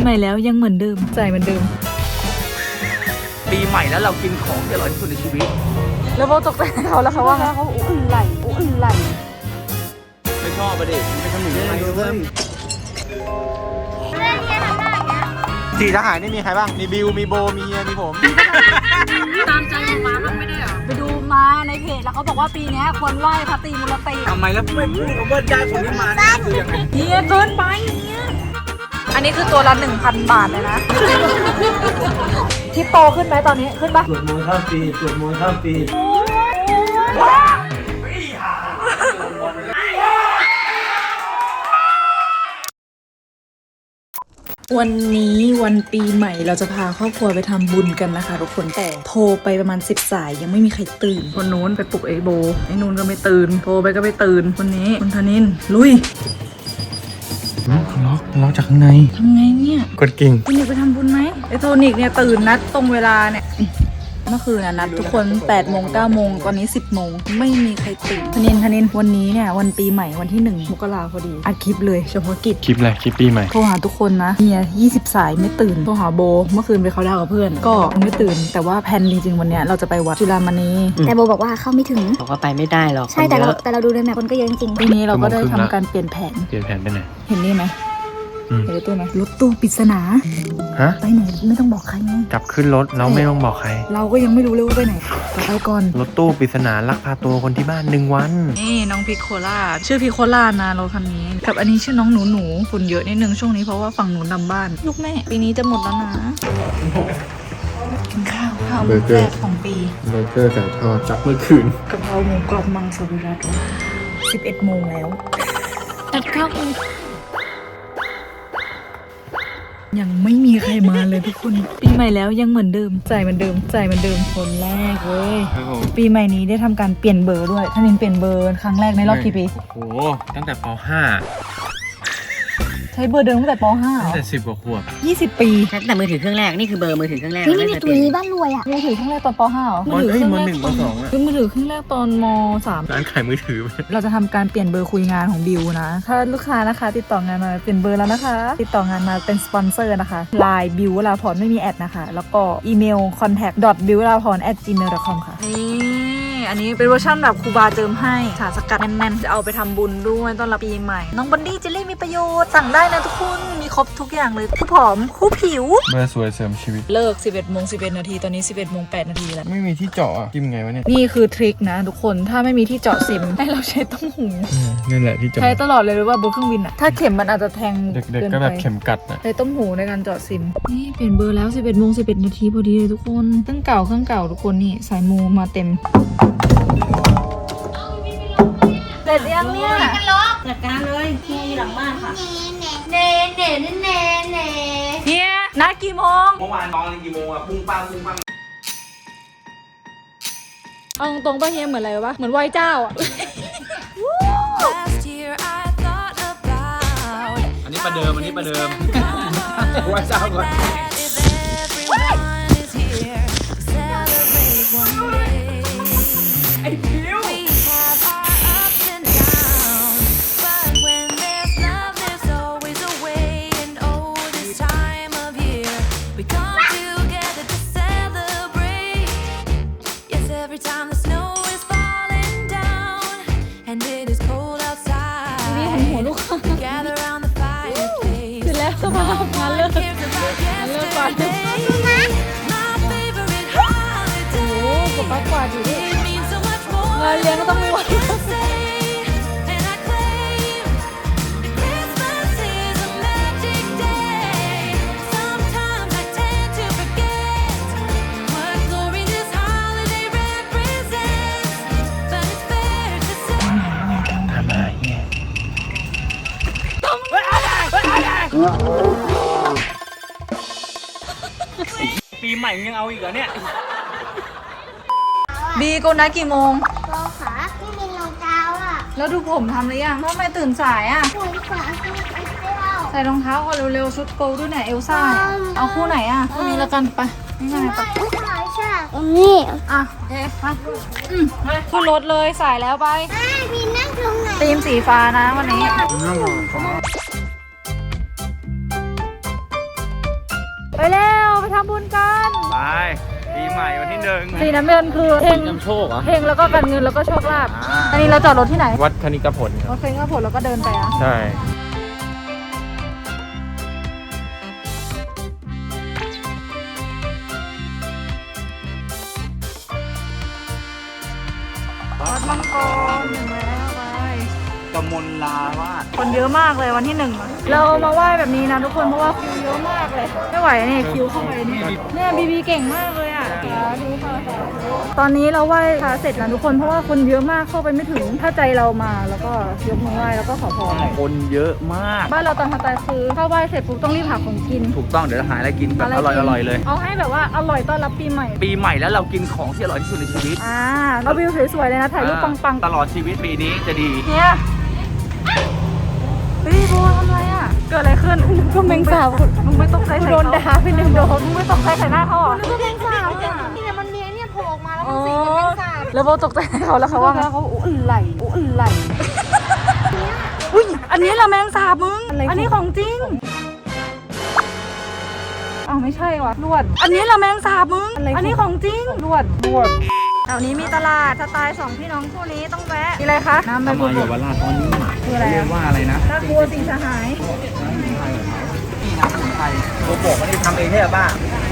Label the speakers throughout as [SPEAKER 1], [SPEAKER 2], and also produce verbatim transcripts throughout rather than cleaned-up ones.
[SPEAKER 1] ใหม่แล้วยังเหมือนเดิมใจเหมือนเดิม
[SPEAKER 2] ปีใหม่แล้วเรากินของที่อร่อยที่สุดในชีวิต
[SPEAKER 1] แล้วโบตกใจเขาแล้วเขาว่าเขาอุ่นไหลอุ่นไหล
[SPEAKER 2] ไม่ชอบประเด็นไม่สนุกเลยสี่ทหารนี่มีใครบ้างมีบิวมีโบมีเฮียมีผม
[SPEAKER 1] ตามใจมาบ้างไม่ได้หรอไปดูมาในเพจแล้วเขาบอกว่าปีนี้ควรไหว้พระตรีมูลติ
[SPEAKER 2] ทำไมแล้วไม่พูดคำว่าได้คนนี้มาเนี่ยคือยังไง
[SPEAKER 1] เฮียเกินไปเนี่ยอันนี้คือตัวละ หนึ่งพัน บาทเลยนะที่โตขึ้นไหมตอนนี้ขึ้นปะ
[SPEAKER 2] สวดมนต์ข้ามปีสวดมนต์ข้ามปี
[SPEAKER 1] วันนี้วันปีใหม่เราจะพาครอบครัวไปทำบุญกันนะคะทุกคนแต่โทรไปประมาณสิบสายยังไม่มีใครตื่นคนนู้นไปปลุกไอ้โบไอ้นู้นก็ไม่ตื่นโทรไปก็ไม่ตื่นคนนี้คนธนินลุย
[SPEAKER 2] ล็อกล็อกจากข้างใน
[SPEAKER 1] ทำไงเนี่ย
[SPEAKER 2] กดกิ่ง
[SPEAKER 1] คุณอยากไปทำบุญไหมไอ้โทนิกเนี่ยตื่นนัดตรงเวลาเนี่ยเมื่อคืนนัดทุกคนแปดโมงเก้าโมงตอนนี้สิบโมงไม่มีใครตื่นธนินธนินวันนี้เนี่ยวันปีใหม่วันที่หนึ่งมกราพอดีอัดคลิปเลยเฉพาะกิจ
[SPEAKER 2] คลิปอะไรคลิปปีใหม่
[SPEAKER 1] โทรหาทุกคนนะเนี่ยยี่สิบสายไม่ตื่นโทรหาโบเมื่อคืนไปเขาดาวกับเพื่อนก็ไม่ตื่นแต่ว่าแพนจริงๆวันเนี้ยเราจะไปวัดจุฬามณี
[SPEAKER 3] แต่โบบอกว่าเข้าไม่ถึง
[SPEAKER 4] บอกว่าไปไม่ได้หรอก
[SPEAKER 3] ใช่แต่เราแต่เราดูในแมพคนก็เยอะจริง
[SPEAKER 1] ๆทีนี้เราก็ได้ทำการเปลี่ยนแผน
[SPEAKER 2] เปลี่ยนแผนไปไหน
[SPEAKER 1] เห็นนี่ไหมเห็นรถตู้ไหมรถตู้ปริศนา
[SPEAKER 2] ฮะ
[SPEAKER 1] ไปไหนไม่ต้องบอกใครไง
[SPEAKER 2] กลับขึ้นรถเราไม่ต้องบอกใคร
[SPEAKER 1] เราก็ยังไม่รู้เลยว่าไปไหนไปก่อน
[SPEAKER 2] รถตู้ปริศนาลักพาตัวคนที่บ้านหนึ่งวัน
[SPEAKER 1] นี่น้องพิโคล่าชื่อพิโคล่านะรถคันนี้กับอันนี้ชื่อน้องหนูหนูฝุ่นเยอะนิดนึงช่วงนี้เพราะว่าฝั่งหนูดำบ้านลูกแม่ปีนี้จะหมดแล้วนะกินข้าวข้าวมื้อแรกของปี
[SPEAKER 2] เบอร์เกอร์ไก่ทอดจากเมื่อคืน
[SPEAKER 1] กะเพราหมูกรอบมังสวิรัติสิบเอ็ดโมงแล้วตัดข้าวยังไม่มีใครมาเลยทุกคนปีใหม่แล้วยังเหมือนเดิมใจเหมือนเดิมใจเหมือนเดิมคนแรกเว้ยปีใหม่นี้ได้ทำการเปลี่ยนเบอร์ด้วยท่านินเปลี่ยนเบอร์ครั้งแรกในรอบกี่ปี
[SPEAKER 2] โอ้โหตั้งแต่ป ห้า
[SPEAKER 1] ใช้เบอร์เดิมตั้งแต่ป ห้า
[SPEAKER 2] ตั้งแต่สิบกว่าขวบ
[SPEAKER 1] ยี่สิบปี
[SPEAKER 4] ตั้งแต่มือถือเครื่องแรกนี่คือเบอร์มือถือเครื่องแรก
[SPEAKER 3] นี่นี่ตัวนี้บ้านรวยอ่ะ
[SPEAKER 1] มือถือเครื่องแรกตอนป ห้าเหรอ
[SPEAKER 2] มือถือเครื่องแรกป สองอ่ะ
[SPEAKER 1] คือมือถือเครื่องแรกตอนม สาม
[SPEAKER 2] ร้านขายมือถือ
[SPEAKER 1] เราจะทำการเปลี่ยนเบอร์คุยงานของบิวนะถ้าลูกค้านะคะติดต่องานมาเปลี่ยนเบอร์แล้วนะคะติดต่องานมาเป็นสปอนเซอร์นะคะไลน์บิวลาพรไม่มีแอดนะคะแล้วก็อีเมล คอนแทค ดอท บิวลาพร แอท จีเมล ดอท คอม ค่ะอันนี้เป็นเวอร์ชันแบบครูบาเจิมให้สารสกัดแน่นๆจะเอาไปทำบุญด้วยต้อนรับปีใหม่น้องบันดี้เจลลี่มีประโยชน์สั่งได้นะทุกคนมีครบทุกอย่างเลยคู่ผอมคู่ผิว
[SPEAKER 2] เบอร์สวยเสริมชีวิต
[SPEAKER 1] เลิก สิบเอ็ดโมงสิบเอ็ด นาทีตอนนี้ สิบเอ็ดโมงแปด นาทีแล้ว
[SPEAKER 2] ไม่มีที่เจาะอ่ะกินไงวะเนี่ย
[SPEAKER 1] นี่คือทริคนะทุกคนถ้าไม่มีที่เจาะซิมให้เราใช้ต้มหู
[SPEAKER 2] นี่แหละที่เจาะ
[SPEAKER 1] ใช้ตลอดเลยหรือว่าบนเครื่องบินอ่ะถ้าเข็มมันอาจจะแทง
[SPEAKER 2] เด็กๆก็แบบเข็มกัดนะ
[SPEAKER 1] ใช้ต้มหูในการเจาะซิมนี่เปลี่ยนเบอร์แล้ว สิบเอ็ดโมงสิบเอ็ด นาทีพอดีเลยทุกคนเครื่องเก่าเครื่องเก่าทุกคนนี่สายมูมาเต็มเสร็จยังเนี่ย
[SPEAKER 4] จัดการเลยที่หลังบ้านค่ะ
[SPEAKER 3] เน่เน่เน่เน่เน่
[SPEAKER 1] เฮียนัดกี่โมง
[SPEAKER 2] เมื่อวานตอนกี่โมงอะปุ้งปังปุ้งปัง
[SPEAKER 1] เอาตรงๆป่ะเฮียเหมือนอะไรวะเหมือนไหว้เจ้าอ่ะ
[SPEAKER 2] อันนี้ประเดิมอันนี้ประเดิมไหว้เจ้าก่อนไอ้ผิว
[SPEAKER 1] มาเลิกมาเลิกก่อนโอ้โหกับปักกวาดอยู่ดิงานเลี้ยงก็ต้องมีวัน
[SPEAKER 2] ปีใหม่ยังเอาอีกเหรอเนี่ย
[SPEAKER 1] บีโกนัดกี่โมง
[SPEAKER 3] รอขาไม่มีรองเท้าอ่ะ
[SPEAKER 1] แล้วดูผมทำหรือยังทำไมตื่นสายอ่ะ
[SPEAKER 3] ถุงขาคือไอ้เจ้า
[SPEAKER 1] ใส่รองเท้าก่อนเร็วๆชุดโกลด้วยเนี่ยเอลซ่าเอาคู่ไหนอ่ะคู่นี้แล้วกันไปง่ายๆไป
[SPEAKER 3] ใช่นี่
[SPEAKER 1] อ่ะโอเคมาอืมมาขึ้นรถเลยสายแล้วไป
[SPEAKER 3] มีนั่งตรงไหน
[SPEAKER 1] ธีมสีฟ้านะวันนี้ไปแล้วไปทำบุญกัน
[SPEAKER 2] ไปปีใหม่วันที่หนึ่ง
[SPEAKER 1] สีน้ำเงินคือเฮง
[SPEAKER 5] นำโชคเหรอ
[SPEAKER 1] เฮงแล้วก็การเงินแล้วก็โชคลาภ
[SPEAKER 2] อ่า
[SPEAKER 1] อันนี้เราจอดรถที่ไหน
[SPEAKER 5] วัดคณิกผลค
[SPEAKER 1] ร
[SPEAKER 5] รับ
[SPEAKER 1] ถเฟงก็ผลแล้วก็เดินไปอ่ะ
[SPEAKER 5] ใช่
[SPEAKER 1] วัดมังกรหนึ่งแล้วไป
[SPEAKER 2] กมลลาวาด
[SPEAKER 1] คนเยอะมากเลยวันที่หนึ่งอะเรามาไหว้แบบนี้นะทุกคนเพราะว่าคิวเยอะมากเลยไม่ไหวนี่คิวเข้าไปนี่เนี่ยบีบีเก่งมากเลยอ่ะดูค่ะตอนนี้เราไหว้พระเสร็จแล้วทุกคนเพราะว่าคนเยอะมากเข้าไปไม่ถึงถ้าใจเรามาแล้วก็ยกมือไหว้แล้วก็ขอพร
[SPEAKER 2] คนเยอะมาก
[SPEAKER 1] บ้านเราตอนทำตายคือถ้าไหว้เสร็จปุ๊บต้องรีบหาของกิน
[SPEAKER 2] ถูกต้องเดี๋ยวเราหาอะไรกินแบบอร่อยอร่อยๆเลย
[SPEAKER 1] เอาให้แบบว่าอร่อยต้อนรับปีใหม่
[SPEAKER 2] ปีใหม่แล้วเรากินของที่อร่อยที่สุดในชีวิต
[SPEAKER 1] อ่าเราวิวสวยๆเลยนะถ่ายรูปปัง
[SPEAKER 2] ตลอดชีวิตปีนี้จะดี
[SPEAKER 1] ๆเนี่ยเฮ้ยโบทำไรอ่ะเกิดอะไรขึ้นก็แมงสาบมึงไม่ตกใจใส่เขาโดนด่าไปหนึ่งโดนมึงไม่ตกใจใส่หน้าเขาเหรอ
[SPEAKER 3] นึกว่าแมงสาบอ่ะนี่มันมีเนี่ยโผล่ออกมาแล้ว
[SPEAKER 1] อ๋
[SPEAKER 3] มั
[SPEAKER 1] อน
[SPEAKER 3] สีเป็นแมงสาบ
[SPEAKER 1] แล้วโบตกใจให้เขาแล้วเขาว่าไงเขาอุ้นไหลอุ้นไหลอุ้ยอันนี้ละแมงสาบมึงอันนี้ของจริงอ้าวไม่ใช่ว่ะลวด อันนี้ละแมงสาบมึงอันนี้ของจริงลวดลวดแถวนี้มีตลาดสไตล์สองพี่น้องคู่นี้ต้องแวะมีอะไรคะน้ำใบบัวบก
[SPEAKER 2] ราชตอนนี้
[SPEAKER 1] คืออะไร
[SPEAKER 2] เรีย
[SPEAKER 1] อะ
[SPEAKER 2] กว่าอะไรนะ
[SPEAKER 1] ตะกัวสีสหาย
[SPEAKER 2] นี่น้ำสมุนไพรโกโก้ไม่ได้ทำเองใช่ไหมป้า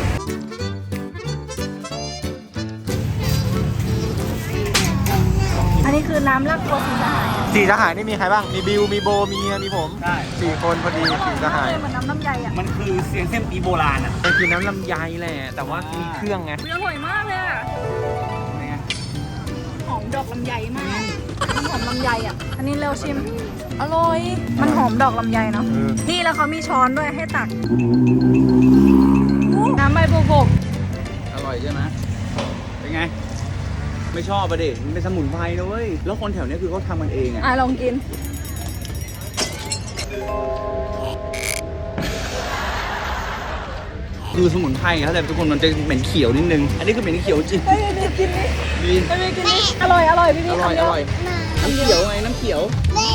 [SPEAKER 1] อันนี้คือน้ำลักกัวสีสหาย
[SPEAKER 5] สี่สหายนี่มีใครบ้าง มีบิว มีโบ มีเฮียมีผม
[SPEAKER 2] ใช่
[SPEAKER 5] สี่คนพอดีสี่สหาย
[SPEAKER 1] เหมือนน้ำลำไยอ่ะ
[SPEAKER 2] มันคือเสียงเส้นปีโบราณอ่ะ
[SPEAKER 5] มันคือน้ำลำไยแหละ แต่ว่ามีเครื่องไง
[SPEAKER 1] อร่อยมากเลยอ่ะหอมดอกลำไยมากมันหอมลำไยอ่ะอันนี้เร็วชิมอร่อยมันหอมดอกลำไยเนาะ
[SPEAKER 5] เออ
[SPEAKER 1] นี่แล้วเขามีช้อนด้วยให้ตักน้ำใบบัวบก
[SPEAKER 2] อร่อยใช่ไหมเป็นไง ไม่ชอบประเด็มันเป็นสมุนไพรนะเว้ย แล้วคนแถวเนี้ยคือเขาทำกันเองอ่ะ
[SPEAKER 1] อ่ะลองกิน
[SPEAKER 2] คือสมุนไพรเขาแต่ทุกคนมันจะเหม็นเขียวนิดนึง อันนี้คือเหม็นเขียวจริง
[SPEAKER 1] เฮ้ยนี่กินนี่
[SPEAKER 2] ดี
[SPEAKER 1] ไม่กินนี่อร่อยอร่อยพี่
[SPEAKER 2] อ
[SPEAKER 1] พี่
[SPEAKER 2] ร่อย
[SPEAKER 1] คำเดี
[SPEAKER 2] อ
[SPEAKER 1] ว
[SPEAKER 2] ร่อย น้ำเขียวไง น้ำเขียว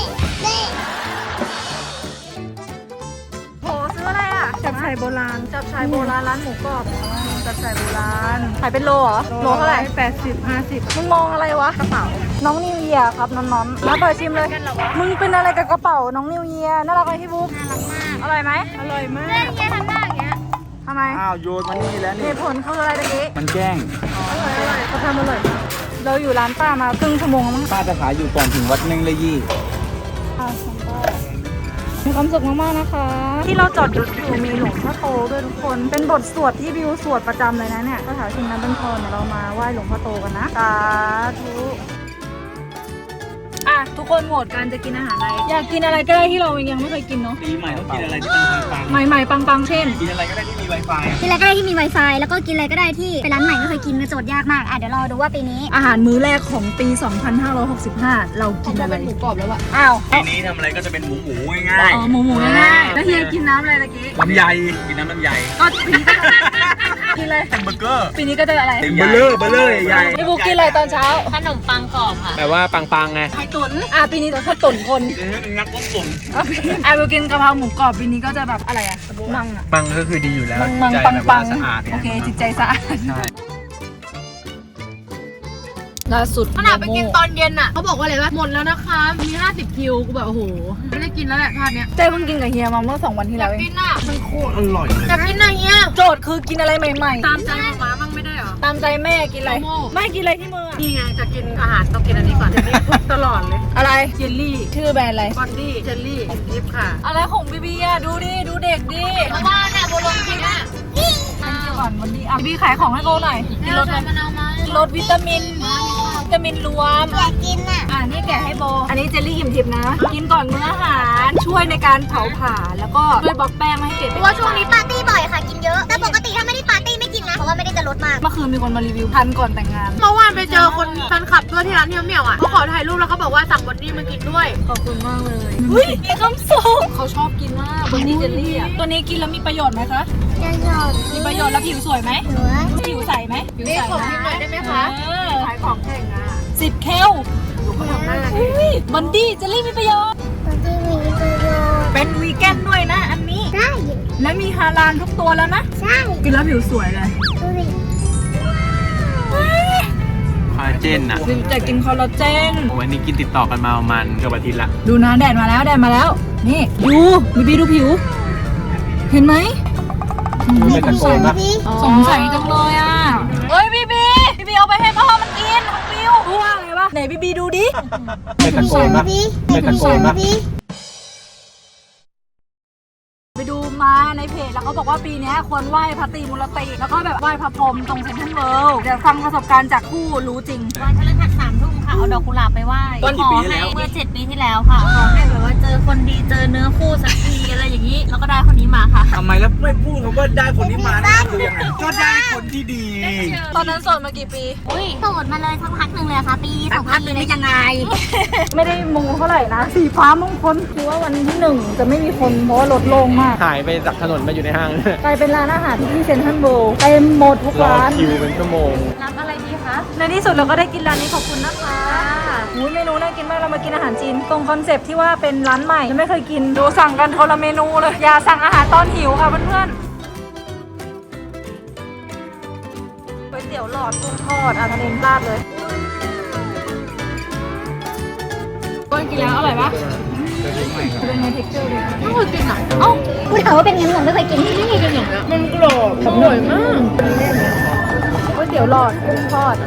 [SPEAKER 1] โหซื้ออะไรอ่ะจับชายโบราณจับชายโบราณร้านหมูกรอบอ๋อจับชายโบราณขายเป็นโลเหรอโลเท่าไหร่แปดสิบห้าสิบมึงมองอะไรวะกระเป๋าน้องนิวเยียร์ครับน้องๆแล้วเปิดชิมเลยมึงเป็นอะไรกับกระเป๋าน้องนิวเยียร์น่ารักไหมพี่บุ๊กน่ารักมากอร่อยไหมอร่อยมาก
[SPEAKER 3] เล่นเงี้ยทำหน้าอย่างเงี้ย
[SPEAKER 1] ทำไม
[SPEAKER 2] อ้าวโยนมานี่แล้ว
[SPEAKER 1] เห
[SPEAKER 2] นี่
[SPEAKER 1] ตุผลคืออะไรตะกี้
[SPEAKER 2] มันแกล้ง
[SPEAKER 1] อร่อยอร่อยเขาทำอร่อยมากเราอยู่ร้านป้ามาครึ่งชั่วโมงแล้วมั้ง
[SPEAKER 2] ป้าจะขายอยู่ก่อนถึงวัดเน่งเลยยี่
[SPEAKER 1] ค่ะของป้ามีความสุขมากๆนะคะ ที่เราจอดรถอยู่มีหลวงพ่อโตด้วยทุกคนเป็นบทสวดที่บิวสวดประจำเลยนะเนี่ยคาถาชิงน้ำเป็นพรเดี๋ยวเรามาไหว้หลวงพ่อโตกันนะสาธุอ่ะทุกคนโหวตกันจะกินอาหารอะไรอยากกินอะไรก็ได้ที่เรายังไม่เคยกินเนาะ
[SPEAKER 2] ปีใหม่ต้องกินอะไรที่มันปัง
[SPEAKER 1] ใหม่ๆปังๆเช่น
[SPEAKER 2] ๆกินอะไรก็ได้ที่มี Wi-Fi
[SPEAKER 3] กินอะไรก็ได้ที่มี Wi-Fi แล้วก็กินอะไรก็ได้ที่เป็นร้านใหม่ไม่เคยกินมันโจทย์ยากมากอ่ะเดี๋ยวรอดูว่าปีนี้
[SPEAKER 1] อาหารมื้อแรกของปี สองพันห้าร้อยหกสิบห้า เรากินอะไรหมูกรอบแล้วอะอ้าว
[SPEAKER 2] ปีนี้ทำอะไรก็จะเป็นหมูหมูง่าย
[SPEAKER 1] อ๋อหมูหมูง่ายๆแล้วเฮียกินน้ำอะไรตะกี้
[SPEAKER 2] ๆลำไยกินน้ำลำไย
[SPEAKER 1] ก็ปีนี้ก็กินเลย
[SPEAKER 2] แฮมเบอร์เกอร์
[SPEAKER 1] ปีนี้ก็จะอะไร
[SPEAKER 2] เบลเลอร์เบลเลอร์ใหญ่
[SPEAKER 1] พี่บุ๊กกินอะไรตอนเช้า
[SPEAKER 4] ขนมปังกรอบค่ะ
[SPEAKER 5] แปลว่าปังๆไง
[SPEAKER 1] ไข่ตุ๋นอ่ะปีนี้ต้องข้าวตุ๋นคน
[SPEAKER 2] เดี๋ยวเป็นนักต้มตุ๋น
[SPEAKER 1] อ่ะอ่ะบิวกินกะเพราหมูกรอบปีนี้ก็จะแบบอะไรอะมังอะ
[SPEAKER 5] ปังก็คือดีอยู่แล้ว
[SPEAKER 1] มังมัง
[SPEAKER 5] ใจ
[SPEAKER 1] ปัง
[SPEAKER 5] แบบ
[SPEAKER 1] ปั
[SPEAKER 5] ว่าง สะอาด
[SPEAKER 1] โอเคจิตใจสะอาด
[SPEAKER 5] ใช่
[SPEAKER 1] ล่าสุด
[SPEAKER 6] ขนาดไปกินตอนเย็นอ่ะเขาบอกว่าอะไรวะหมดแล้วนะคะมีห้าสิบคิวกูแบบโอ้โหไม่ได้กินแล้วแหละทาดเนี้ย
[SPEAKER 1] เจ้เพิ่งกินกับเฮียมาเมื่อสองวันที่
[SPEAKER 6] อ
[SPEAKER 1] แล้
[SPEAKER 6] ยาว ก
[SPEAKER 1] เอง
[SPEAKER 6] กินอ่ะ
[SPEAKER 2] มันโคตรอร่อย
[SPEAKER 6] อยากกินอะไรเงี้ย
[SPEAKER 1] โจทย์คือกินอะไรใหม่ๆ
[SPEAKER 6] ตามใจหมาบ้างไม่ได้เหรอ
[SPEAKER 1] ตามใจแม่กินอะไร
[SPEAKER 6] โมโม่
[SPEAKER 1] ไม่กินอะไรที่มืออะ
[SPEAKER 6] นี่ไงจะกินอาหารต้องกินอันนี้ก่อนเจลลี่ทุกตลอดเลย
[SPEAKER 1] อะไร
[SPEAKER 6] เจลลี่
[SPEAKER 1] ชื่อแบรนด์อะไร
[SPEAKER 6] บอนดี้เจลลี่ของทิพย์ค่ะ
[SPEAKER 1] อะไรของบีบีอะดูดิดูเด็กดิ
[SPEAKER 6] เพราะว่าเนี่ยโบลงกินอ่ะ
[SPEAKER 1] อ่าก่อนวันนี้อ่ะบีบีขายของให้โกหน่อยกินรส
[SPEAKER 6] ใส่มะนาวมา
[SPEAKER 1] ลดวิตามินวิตามินรวม
[SPEAKER 3] อยากกินอ่ะ
[SPEAKER 1] อ่านี่แกะให้โบ อันนี้เจลลี่อิ่มทิพย์นะ กินก่อนมื้ออาหารช่วยในการเผาผลาญแล้วก็ช่วยบล็อกแป้งไม่ให้เกิด
[SPEAKER 3] เพราะว่าช่วงนี้ปาร์ตี้บ่อยค่ะกินเยอะ แต่ปกติถ้าไม่ได้ปาร์ตี้ไม่กินนะ เพราะว่าไม่ได้จะลดมาก
[SPEAKER 1] เมื่อคืนมีคนมารีวิวทันก่อนแต่งงาน
[SPEAKER 6] เมื่อวานไปเจอคนแฟนคลับด้วยที่ร้านเที่ยวเหมี่ยวอ่ะเขาขอถ่ายรูปแล้วเขาบอกว่าสั่งบอนดี้มากินด้วย
[SPEAKER 1] ขอบคุณมากเลยอุ้ยมีคำส่งเขาชอบกินมากบนนี้เจลลี่อ่ะตัวนี้กินแล้วมีประโยชน์ไหมคะ
[SPEAKER 3] จะหยอด
[SPEAKER 1] มีประโยชน์แล้วผิวสวยไหม
[SPEAKER 3] เหลือ
[SPEAKER 1] ผิวใสไหมผิว
[SPEAKER 6] นี่
[SPEAKER 1] ใส
[SPEAKER 6] ขอพิมพ์หน่อยได้ไหมคะ
[SPEAKER 1] เออ
[SPEAKER 6] ขายของแข่งอ่ะ
[SPEAKER 1] สิบเคล
[SPEAKER 6] ดูเขาทำหน้าดิ
[SPEAKER 1] อุ้ยบันดี้เจลลี่มีประโยชน์
[SPEAKER 3] ตอนที่มีประโยชน์
[SPEAKER 1] เป็นวีแกนด้วยนะอันนี้
[SPEAKER 3] ใช่
[SPEAKER 1] และมีฮาลาลทุกตัวแล้วนะ
[SPEAKER 3] ใช่
[SPEAKER 1] กินแล้วผิวสวยเลย
[SPEAKER 3] ดูดิ
[SPEAKER 5] คอลลาเจนอ่ะ
[SPEAKER 1] บิวจะกินคอลลาเจน
[SPEAKER 5] วันนี้กินติดต่อกันมาประมาณเกือบอาทิตย์ละ
[SPEAKER 1] ดูนะแดดมาแล้วแดดมาแล้ว นี่ดูบีบีดูผิว เห็นไหม
[SPEAKER 5] ไม่ตะโกนนะ
[SPEAKER 1] สงสัยจังเลยอ่ะเฮ้ยบีบีบีบีเอาไปให้พ่อมันกินของบิวรู้ว่าไงวะไหนบีบีดูดิ
[SPEAKER 5] ไม่ตะโกนนะไม่ตะโกนนะ
[SPEAKER 1] ไปดูมาในเพจแล้วเขาบอกว่าปีนี้ควรไหว้พระตรีมูลติแล้วก็แบบไหว้พระพรหมตรงเซ็นทรัลเวิลด์เดี๋ยวฟังประสบการณ์จากผู้รู้จริง
[SPEAKER 7] วันพฤหัสสามทุ่มค่ะ เอาดอกกุหลาบไปไหว้
[SPEAKER 2] ตอนกี่ปีที่แล้ว
[SPEAKER 7] ขอให้เมื่อเจ็ดปีที่แล้วค่ะ ขอให้แบบว่าเจอคนดีเจอเนื้อคู่สักทีอะไรอย่างนี้ แล้วก็ได้คนนี้มาค่ะ
[SPEAKER 2] ทำไมแล้วไม่พูดคำว่าได้คนที่มาได้คือยังไงก็ได้คนที่ดี
[SPEAKER 1] ตอนนั้นโสดมากี่ปี
[SPEAKER 7] อุ้ย
[SPEAKER 3] โสดมาเลยสักพักหนึ่งเลยค่ะ ปีสองพันเลยยังไง
[SPEAKER 1] ไม่ได้มูเท่าไหร่นะ สีฟ้ามงคลคือว่าวันที่หนึ่งจะไม่มีคนเพราะว่ารถโล่งมาก
[SPEAKER 5] หายไปจากถนนมาอยู่ในห้าง
[SPEAKER 1] กลายเป็นร้านอาหารที่เซ็นทรัลเวิลด์เต็มหมดทุก
[SPEAKER 5] รอ
[SPEAKER 1] ร้าน
[SPEAKER 5] คิวเป็นชั่วโมง
[SPEAKER 7] รับอะไรดีคะ
[SPEAKER 1] ในที่สุดเราก็ได้กินร้านนี้ขอบคุณนะคะหูยเมนูน่ากินมากเรามากินอาหารจีนตรงคอนเซปต์ที่ว่าเป็นร้านใหม่ยังไม่เคยกินดูสั่งกันคนละเมนูเลยอย่าสั่งอาหารตอนหิวค่ะเพื่อนๆก๋วยเตี๋ยวหลอดกุ้งทอดอ่ะทะเลราดเลยก้อนกินแล้วอร่อยปะเป็นไงเท็กเจอร์เลยไม่เคยกินอ่ะเอ้า
[SPEAKER 3] กูถามว่าเป็นไงมึงไม่เคยกิน
[SPEAKER 1] มันกรอบอร่อยมากก๋วยเตี๋ยวหลอดกุ้งทอด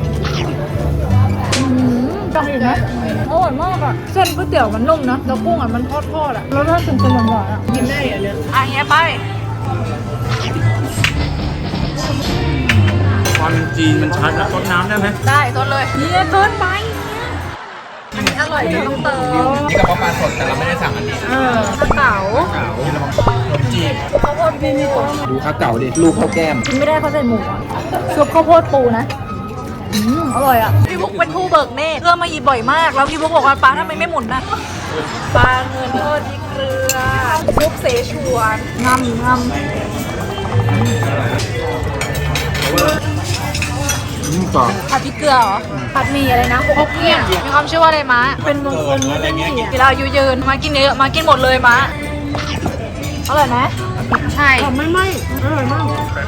[SPEAKER 1] อืมจังอีกนะอร่อยมากอ่ะเส้นก๋วยเตี๋ยวมันนุ่มนะแล้วกุ้งอ่ะมันทอดทอดอ่ะแล้วถ้าถึงเป็นหวานๆอ่ะกินได้อ่ะเนี่ยอ่ะเงี้ยไป
[SPEAKER 2] ความจีนมันชัดอะต้นน้ำได้ไหม
[SPEAKER 1] ได้ต้นเลยเนี่ยเกินไปอันนี้อร่อยจนต้องเติม
[SPEAKER 2] นี่กับปลาสดแต่เราไม่ได้สั่งอันนี้
[SPEAKER 1] เออข้าวเก๋า
[SPEAKER 2] เก๋าขนมจีบ
[SPEAKER 1] ข้าวโพดปู
[SPEAKER 2] ดูข้าวเก๋าดิลูกข้าวแก้ม
[SPEAKER 1] กินไม่ได้เขาใส่หมูอ่ะซุปข้าวโพดปูนะอืมอร่อยอ่ะพี่บุ๊กเป็นผู้เบิกเนตรเพื่อมาหยิบบ่อยมากแล้วพี่บุ๊กบอกว่าปลาทำไมไม่หมุนนะปลาเงินทอดพริกเกลือซุปเสฉวนงำงำ
[SPEAKER 2] นี่ก่อน
[SPEAKER 1] ผัดพริกเกลือเหรอผัดหมี่อะไรนะพกเนี่ยมีความเชื่อว่าอะไรมะเป็นมงคลอะไรเงี้ยเวลาอายุยืนมากินเยอะมากินหมดเลยมะอร่อยไหม
[SPEAKER 7] ใช่
[SPEAKER 1] ไม่ไม่อร่อยมาก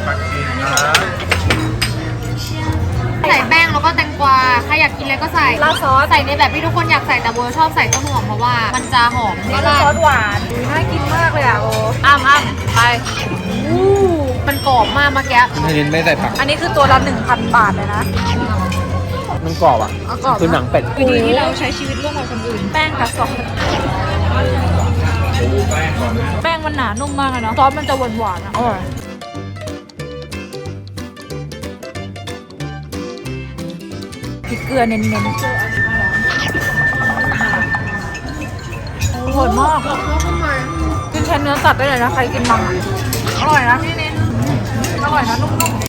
[SPEAKER 7] ใส่แป้งแล้วก็แตงกวา ใครอยากกินอะไรก็ใส่
[SPEAKER 1] ราดซอส
[SPEAKER 7] ใส่ในแบบที่ทุกคนอยากใส่แต่โบชอบใส่ต้นหอมเพราะว่ามันจะหอม
[SPEAKER 1] รา
[SPEAKER 7] แล้ว
[SPEAKER 1] ด
[SPEAKER 7] ก็
[SPEAKER 1] ซอสหวานอุ๊ยน่ากินมากเลยอ่ะโอ้อ้ามอ้ามไปอู้
[SPEAKER 7] มันกรอบมากเมื่อกี้
[SPEAKER 5] ไม่เน้นไม่ใส่ผัก
[SPEAKER 1] อันนี้คือตัวละหนึ่งพันบาทเลยนะ
[SPEAKER 5] มันกรอบอ่ะ
[SPEAKER 1] เอากรอบ
[SPEAKER 5] คือหนังเป็ด
[SPEAKER 1] วิธีที่เราใช้ชีวิตร่วมกับคนอื่นแป้งกับซอสแป้งมันหนานุ่มมากเลยเนาะซอสมันจะหวานหวานๆอ่ะอร่อยพริกเกลือเน้นๆอร่อยมากกินแทนเนื้อสัตว์ได้เลยนะใครกินมังอะอร่อยนะพี่เน้นอร่อยนะนุ่มๆ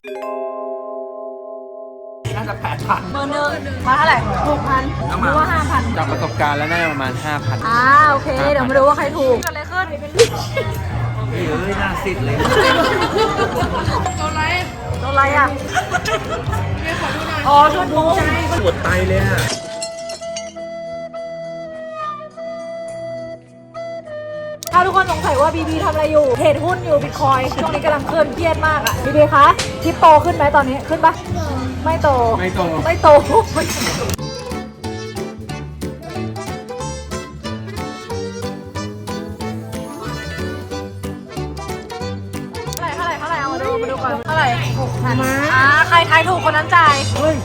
[SPEAKER 1] น่าจะแปดพันเบอร์หนึ่งมาเท่าไหร่หกพันหรือว่าห้าพัน
[SPEAKER 5] จากประสบการณ์แล้วน่าจะประมาณ ห้าพัน
[SPEAKER 1] อ่าโอเค เดี๋ยวมาดูว่าใครถูกเกิดอะไรขึ้น
[SPEAKER 2] เฮ้ยหน้าซิดเลย
[SPEAKER 1] โดนอะไรโดนอะไรอ่ะอ๋อโดนมุ้ง
[SPEAKER 2] ปวดไตเลยอะ
[SPEAKER 1] ถ้าทุกคนสงสัยว่าบีบีทำอะไรอยู่เทรดหุ้นอยู่บิตคอยช่วงนี้กำลังเคลื่อนเครียดมากอ่ะบีบีคะคริปโตขึ้นไหมตอนนี้ขึ้นปะไม่โต
[SPEAKER 5] ไม่โต
[SPEAKER 1] ไม่โตเท่าไหร่เท่าไหร่เท่าไหร่เอามาดูมาดูก่อนเท่าไหร่หกพันอ่าใครทายถูกคนนั้นจ่ายเฮ้ย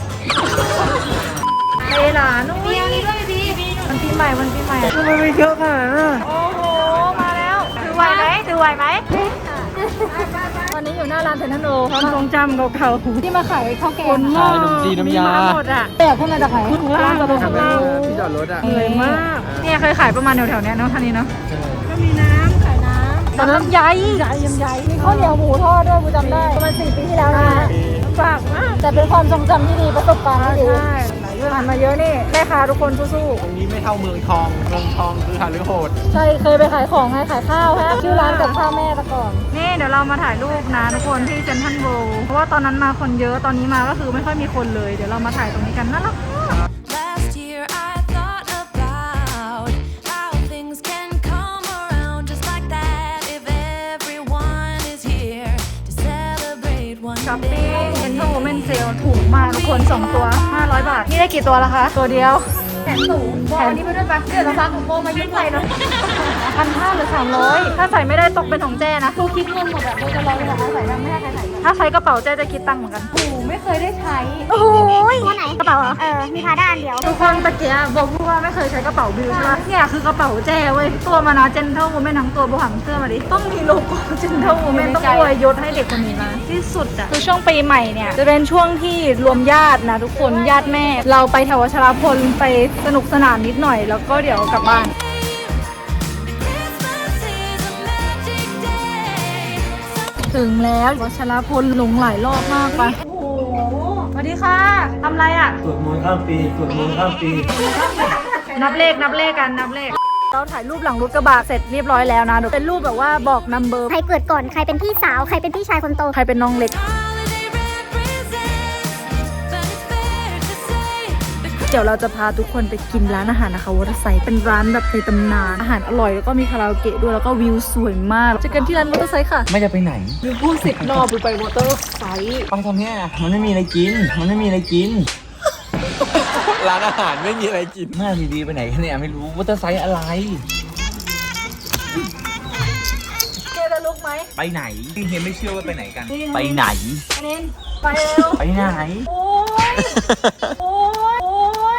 [SPEAKER 1] เลหลานุ่ยมันปีใหม่มันปีใหม่ทำไมไม่เยอะขนาดนั้นโอ้โหมาแล้วถือไหวไหมถือไหวไหมวันนี้อยู่หน้าร้านเซนทรัลโลความทรงจำเก่าๆที่มาขายข้าวแกง
[SPEAKER 5] ขายขนมจีนน้ำยา
[SPEAKER 1] หมดอ่ะแต่ขึ้นมาจากไหนร้านกระโดดข้างล่าง
[SPEAKER 5] ที่จอดรถอ่ะ
[SPEAKER 1] เหนื่อยมากเนี่ยเคยขายประมาณแถวๆเนี้ยเนาะท่านี้เนาะก็มีน้ำขายน้ำตอนนั้นใหญ่ใหญ่ยำใหญ่มีข้าวเหนียวหมูทอดด้วยกูจำได้ประมาณสี่ปีที่แล้วนะฝากมากแต่เป็นความทรงจำที่ดีประสบการณ์ที่ดีใช่ผ่านมาเยอะนี่แม่ค้าทุกคนสู้ๆ
[SPEAKER 5] ตรงนี้ไม่เท่าเมืองทอง เมืองทองคือหาหรือโหด
[SPEAKER 1] ใช่เคยไปขายของไงขายข้าวฮะชื่อร้านกับข้าวแม่แต่ก่อนนี่เดี๋ยวเรามาถ่ายรูปนะทุกคนที่เซ็นทรัลเวิลด์เพราะว่าตอนนั้นมาคนเยอะตอนนี้มาก็คือไม่ค่อยมีคนเลยเดี๋ยวเรามาถ่ายตรงนี้กันน่ารัก
[SPEAKER 8] Last year I thought about how things can come around
[SPEAKER 1] ช้อปปิ้งเซ็นทรัลโวเมนเซลถูกมากทุกคนสองตัวห้าร้อยบาทนี่ได้กี่ตัวละคะตัวเดียวแขนสูงแขนนี้ไปด้วยปะเดี๋ยวเราฟังของโบมายุ่งใส่เลยพันห้าหรือสามร้อยถ้าใส่ไม่ได้ตกเป็นของแจ้นะกูคิดเงินหมดอะโบจะรอไปบอกว่าใส่ได้ไม่ให้ใครใส่ถ้าใช้กระเป๋าแจ้จะคิดตังค์เหมือนกันโอ้ไม่เคยได้ใช้โอ้โห
[SPEAKER 3] ตัวไหนกระเป๋าเหรอเออมีพาด้านเดียว
[SPEAKER 1] ทุกคนตะเกียบบอกพูดว่าไม่เคยใช้กระเป๋าบิวใช่ไหมเนี่ยคือกระเป๋าแจ้เว้ยตัวมานะเจนเท่าโวเมนทั้งตัวโบหังเสื้อมาดิต้องมีโลโก้เจนเท่าโวเมนต้องอวยยศให้เด็กคนนี้นะที่สุดอะคือช่วงปีใหม่เนี่ยจะเป็นช่วงที่รวมญาตินะทุกคนญาติแม่เราไปแถววัชรพลไปสนุกสนานนิดหน่อยแล้วก็เดี๋ยวกลับบ้านถึงแล้ววัชรพลหลงหลายรอบมากไปโอ้โหสวัสดีค่ะทำไรอะ
[SPEAKER 8] สวดมนต์ข้ามปีสวดมนต์ข้ามปี
[SPEAKER 1] นับเลขนับเลขกันนับเลขเราถ่ายรูปหลังรถกระบะเสร็จเรียบร้อยแล้วนะเดี๋ยวเป็นรูปแบบว่าบอกนัมเบอร์
[SPEAKER 3] ใครเกิดก่อนใครเป็นพี่สาวใครเป็นพี่ชายคนโต
[SPEAKER 1] ใครเป็นน้องเล็กเดี๋ยวเราจะพาทุกคนไปกินร้านอาหารนะคะวอเตอร์ไซด์เป็นร้านแบบในตำนานอาหารอร่อยแล้วก็มีคาราโอเกะด้วยแล้วก็วิวสวยมากเจอกันที่ร้านวอเตอร์ไซด์ค่ะ
[SPEAKER 2] ไม่จะไปไหน
[SPEAKER 1] วิวพูดสิบรอบไปวอเตอร์ไซด์
[SPEAKER 2] ไปทำเนี้ยมันไม่มีอะไรกิน มันไม่มีอะไรกิน
[SPEAKER 5] ร้านอาหารไม่มีอะไรกิน
[SPEAKER 2] หน้าดีๆไปไหนกันเนี่ยไม่รู้ว่าจะไซส์อะไร
[SPEAKER 1] เจจะลุกไหม
[SPEAKER 2] ไปไหนเฮียไม่เชื่อว่าไปไหนกัน ไปไหน
[SPEAKER 1] อันนี้ไปเร็ว
[SPEAKER 2] ไปไหน
[SPEAKER 1] โอ้ยโอ้ยโอ้ย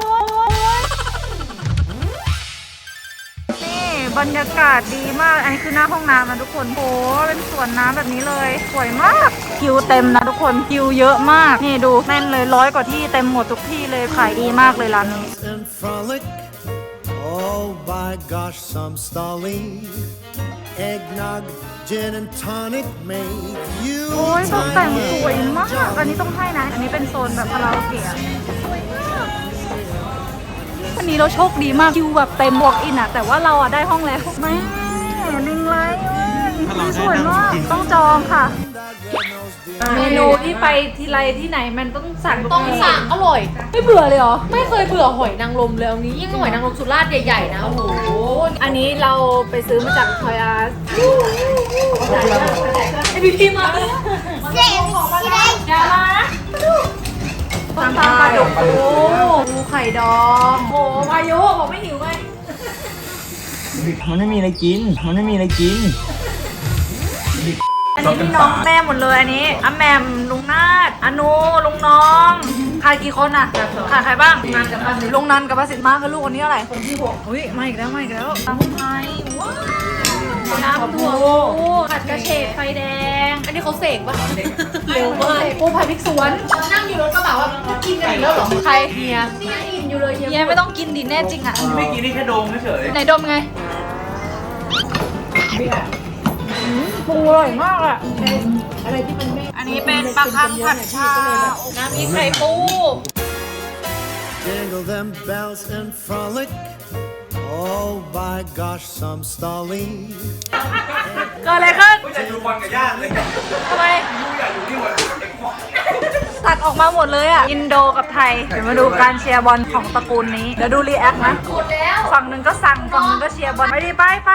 [SPEAKER 1] นี่บรรยากาศดีมากอันนี้คือหน้าห้องน้ำนะทุกคนโอ้เป็นสวนน้ำแบบนี้เลยสวยมากคิวเต็มนะทุกคนคิวเยอะมากนี่ดูแน่นเลยร้อยกว่าที่เต็มหมดทุกที่เลยขายดีมากเลยร้านนี้
[SPEAKER 9] And frolic, oh by gosh, some stolly eggnog, gin and tonic make you
[SPEAKER 1] โอ้ยตกแต่งสวยมากอันนี้ต้องให้นะอันนี้เป็นโซนแบบคาราโอเกะสวยมากวันนี้เราโชคดีมากคิวแบบเต็มวอล์กอินอะแต่ว่าเราอะได้ห้องแล้วไม่ลิงไลท์สวยมากต้องจองค่ะเมนูที่ไปทีไรที่ไหนมันต้องสั่ง
[SPEAKER 6] ต้องสั่งอร่อย
[SPEAKER 1] ไม่เบื่อเลยเหรอ
[SPEAKER 6] ไม่เคยเบื่อหอยนางรมเลยเอางี้ยิ่งหอยนางรมสุราษฎร์ใหญ่ๆนะโอ้โห
[SPEAKER 1] อันนี้เราไปซื้อมาจากทอยอาร์ไอพี่พี่มา
[SPEAKER 3] เจ๊ที่ได้
[SPEAKER 1] อย่ามานะตามปลาดุกโอ้ดูไข่ดองโอ้พายุบอกไม่หิวไง
[SPEAKER 2] มันไม่มีอะไรกิน มันไม่มีอะไรกิน
[SPEAKER 1] อันนี้พี่น้องแม่หมดเลยอันนี้อาแหมมลุงนาดอนุลุงน้องขาดกี่คนอ่ะขาดใครบ้างงานกับป้าสิลุงนันกับป้าสิทธิ์มาคือลูกคนนี้อะไรคนที่หกอุ้ยมาอีกแล้วมาอีกแล้วตำไทยว้าวน้ำถั่วปูผัดกระเฉดไฟแดง
[SPEAKER 6] อันนี้เขาเสกปะ
[SPEAKER 1] เร็วมากปูผัดพริกสวน
[SPEAKER 6] นั่งอยู่รถกระบะว่ากินกันอีกแล้วเหรอ
[SPEAKER 1] ใคร
[SPEAKER 6] เฮียนี่ยังอิ่มอยู่เลยเฮีย
[SPEAKER 1] เฮียไม่ต้องกินดิแน่จริงอ่ะ
[SPEAKER 2] ไม่กินนี่แค่ดมเฉย
[SPEAKER 1] ไหนดมไงปูอร่อยมากอ่ะอันนี้เป็นปลาคังผัดชาน้ำพริกไข่ปู
[SPEAKER 9] Jingle them bells and frolic, oh by gosh, some stolly
[SPEAKER 1] เกิดอะไรขึ้น
[SPEAKER 2] จะดูบอลกับญาติเลย
[SPEAKER 1] ทำไม
[SPEAKER 2] ดูอยากอยู่ที่หัวเด็กพ่อ
[SPEAKER 1] ตัดออกมาหมดเลยอ่ะ อินโดกับไทย เดี๋ยวมาดูการเชียร์บอลของตระกูลนี้ เดี๋ยวดูรีแอคนะฝั่งหนึ่งก็สั่ง ฝั่งหนึ่งก็เชียร์บอล ไปดิไปไป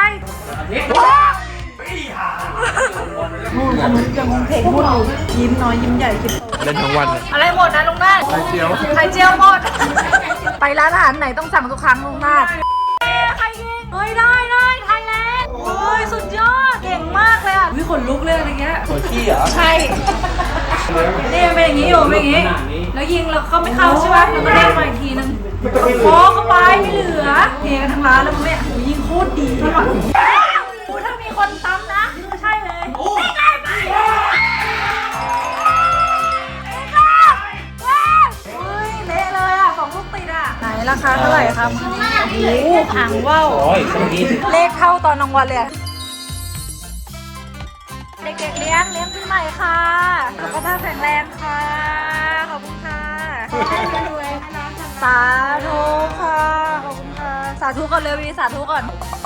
[SPEAKER 1] นู่นคนนู้นจะมองเพลงพูดอยู่ยิ้มน้อยยิ้มใหญ่คิด
[SPEAKER 5] เล่นทั้งวันอะ
[SPEAKER 1] อะไรหมดนะลุงนาด
[SPEAKER 5] ไข่เจียว
[SPEAKER 1] ไข่เจียวหมด ไปร้านอาหารไหนต้องสั่งทุกครั้งลุงนาดใครยิงเฮ้ยได้ได้ไทยแลนด์โอ้ยสุดยอด เก่งมากเลยอ่ะวิขนลุกเลยอะไรเงี้ย
[SPEAKER 2] หัวขี้เหรอ
[SPEAKER 1] ใช่ นี่มันเป็นอย่างนี้อยู่เป็นอย่างนี้ แล้วยิงแล้วเขาไม่เข้าใช่ไหมแล้วก็เด้งมาอีกทีนึงโค้เข้าไปไม่เหลือเทกันทั้งร้านแล้วมึงเนี่ยโอ้ยยิงโคตรดีเลยว่ะโอ้ถ้ามีคนซ้ำนะคือใช่เลยไม่ได้ไปเฮ้ยเละเลยอ่ะสองลูกติดอ่ะไหนราคาเท่าไหร่ครับโอ้โหหางว่าว
[SPEAKER 2] โอ้ยคนนี้
[SPEAKER 1] เลขเท่าตอนกลางวันเลยอะเด็กๆเลี้ยงเลี้ยงปีใหม่ค่ะสุขภาพแข็งแรงค่ะ ขอบคุณค่ะ สาธุค่ะ ขอบคุณค่ะ สาธุก่อนเลยวีสาธุก่อน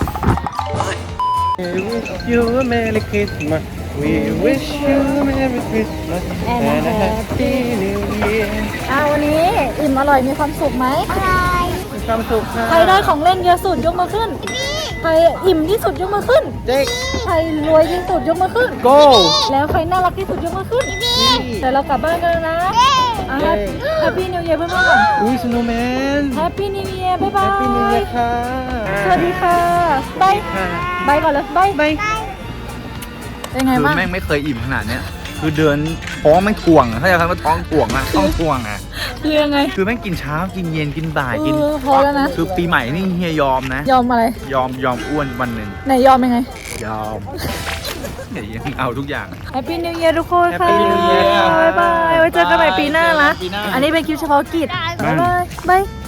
[SPEAKER 5] We wish you a Merry Christmas. We wish you a Merry Christmas and a Happy New Year.
[SPEAKER 1] อ่าวันนี้อิ่มอร่อยมีความสุขไหม
[SPEAKER 3] อะไร
[SPEAKER 5] มีความสุขครั
[SPEAKER 1] ใครได้ของเล่นเยอะสุดยกมือขึ้นรอิ่มที่สุดยกมือขึ้น
[SPEAKER 5] เจ๊ก
[SPEAKER 1] ใครรวยที่สุดยกมือขึ้น
[SPEAKER 5] go
[SPEAKER 1] แล้วใครน่ารักที่สุดยกมือขึ้นแต่เรากลับบ้านกันแล้วนะแฮปปี้นิวเยียร์เพื่อนๆก่อน
[SPEAKER 5] อุ้ยสโนว์แมน
[SPEAKER 1] แฮปปี้นิวเยียร์บ๊ายบาย
[SPEAKER 5] แฮปปี้นิวเยียร์ค่ะ
[SPEAKER 1] สวัสดีค่ะบาย
[SPEAKER 5] ค่ะ
[SPEAKER 1] บายก่อนเลยบาย
[SPEAKER 5] บาย
[SPEAKER 1] เป็นไง
[SPEAKER 2] คือ
[SPEAKER 1] บ้าง
[SPEAKER 2] แม่งไม่เคยอิ่มขนาดเนี้ยคือเดินท้องแม่งถ่วงอะเข้าใจคำว่าท้องถ่วงอะท้องถ่วงอะ
[SPEAKER 1] เรื่องไง
[SPEAKER 2] คือแม่งกินเช้ากินเย็นกินบ่ายกิน
[SPEAKER 1] เออพอแล้วนะ
[SPEAKER 2] คือปีใหม่นี่เฮียยอมนะ
[SPEAKER 1] ยอมอะไร
[SPEAKER 2] ยอมยอมอ้วนวันหนึ่ง
[SPEAKER 1] ไหนยอมยังไง
[SPEAKER 2] ยอมเฮียยังเอาทุกอย่าง
[SPEAKER 1] แฮปปี้นิวเยียร์ทุกคนค่ะ
[SPEAKER 5] Happy New Year
[SPEAKER 1] บ๊ายบายไว้เจอกันใหม่ปีหน้านะ
[SPEAKER 2] ปีหน้า
[SPEAKER 1] อันนี้เป็นคลิปเฉพาะกิจบ๊ายบายบาย